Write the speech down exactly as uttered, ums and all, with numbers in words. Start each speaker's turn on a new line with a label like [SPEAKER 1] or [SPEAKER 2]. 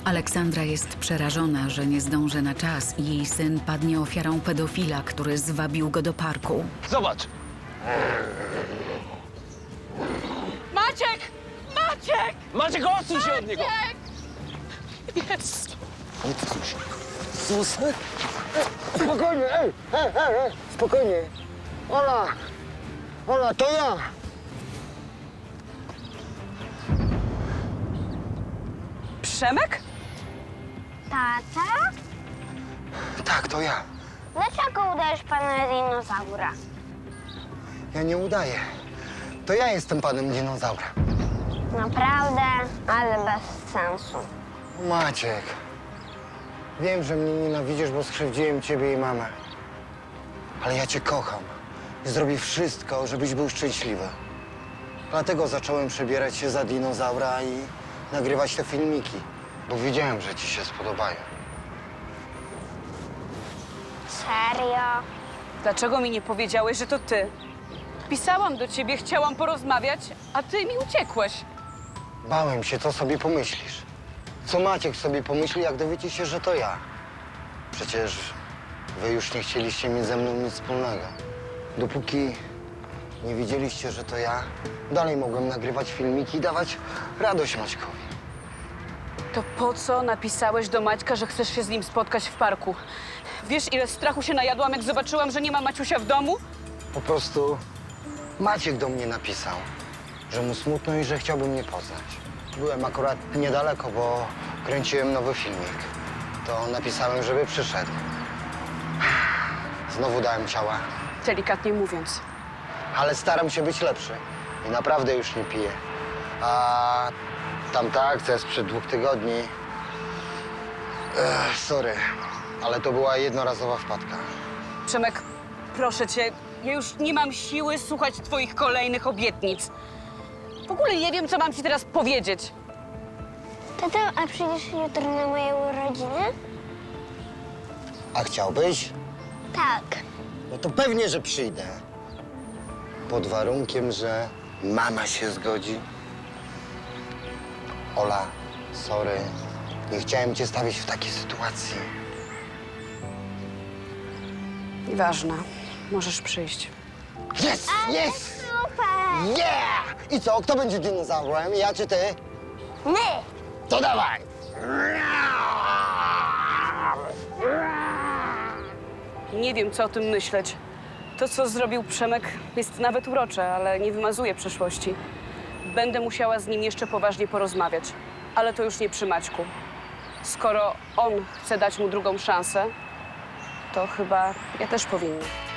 [SPEAKER 1] Aleksandra jest przerażona, że nie zdąży na czas i jej syn padnie ofiarą pedofila, który zwabił go do parku.
[SPEAKER 2] Zobacz!
[SPEAKER 3] Maciek! Maciek!
[SPEAKER 2] Maciek, odsuń się od niego!
[SPEAKER 3] Jest!
[SPEAKER 4] Nie tłucz się. Sus. Spokojnie, ej, ej, ej, ej, spokojnie. Ola, Ola, to ja.
[SPEAKER 3] Przemek?
[SPEAKER 5] Tata?
[SPEAKER 4] Tak, to ja.
[SPEAKER 5] Dlaczego udajesz pana dinozaura?
[SPEAKER 4] Ja nie udaję. To ja jestem panem dinozaura.
[SPEAKER 5] Naprawdę, ale bez sensu.
[SPEAKER 4] Maciek, wiem, że mnie nienawidzisz, bo skrzywdziłem ciebie i mamę. Ale ja cię kocham i zrobię wszystko, żebyś był szczęśliwy. Dlatego zacząłem przebierać się za dinozaura i nagrywać te filmiki, bo wiedziałem, że ci się spodobają.
[SPEAKER 5] Serio?
[SPEAKER 3] Dlaczego mi nie powiedziałeś, że to ty? Pisałam do ciebie, chciałam porozmawiać, a ty mi uciekłeś.
[SPEAKER 4] Bałem się, co sobie pomyślisz. Co Maciek sobie pomyśli, jak dowiecie się, że to ja. Przecież wy już nie chcieliście mieć ze mną nic wspólnego. Dopóki nie wiedzieliście, że to ja, dalej mogłem nagrywać filmiki i dawać radość Maćkowi.
[SPEAKER 3] To po co napisałeś do Maćka, że chcesz się z nim spotkać w parku? Wiesz, ile strachu się najadłam, jak zobaczyłam, że nie ma Maciusia w domu?
[SPEAKER 4] Po prostu Maciek do mnie napisał, że mu smutno i że chciałby mnie poznać. Byłem akurat niedaleko, bo kręciłem nowy filmik. To napisałem, żeby przyszedł. Znowu dałem ciała,
[SPEAKER 3] Delikatnie mówiąc.
[SPEAKER 4] ale staram się być lepszy i naprawdę już nie piję. A tamta akcja sprzed dwóch tygodni... Ech, sorry, ale to była jednorazowa wpadka.
[SPEAKER 3] Przemek, proszę cię, ja już nie mam siły słuchać twoich kolejnych obietnic. W ogóle nie wiem, co mam ci teraz powiedzieć.
[SPEAKER 5] Tato, a przyjdziesz jutro na moje urodziny?
[SPEAKER 4] A chciałbyś?
[SPEAKER 5] Tak.
[SPEAKER 4] No to pewnie, że przyjdę. Pod warunkiem, że mama się zgodzi. Ola, sorry. Nie chciałem cię stawić w takiej sytuacji.
[SPEAKER 3] Nieważne, możesz przyjść.
[SPEAKER 4] Jest! Jest!
[SPEAKER 5] Super!
[SPEAKER 4] Yeah! I co? Kto będzie dinozaurem? Ja czy ty?
[SPEAKER 5] My!
[SPEAKER 4] To dawaj!
[SPEAKER 3] Nie wiem, co o tym myśleć. To, co zrobił Przemek, jest nawet urocze, ale nie wymazuje przeszłości. Będę musiała z nim jeszcze poważnie porozmawiać, ale to już nie przy Maćku. Skoro on chce dać mu drugą szansę, to chyba ja też powinna.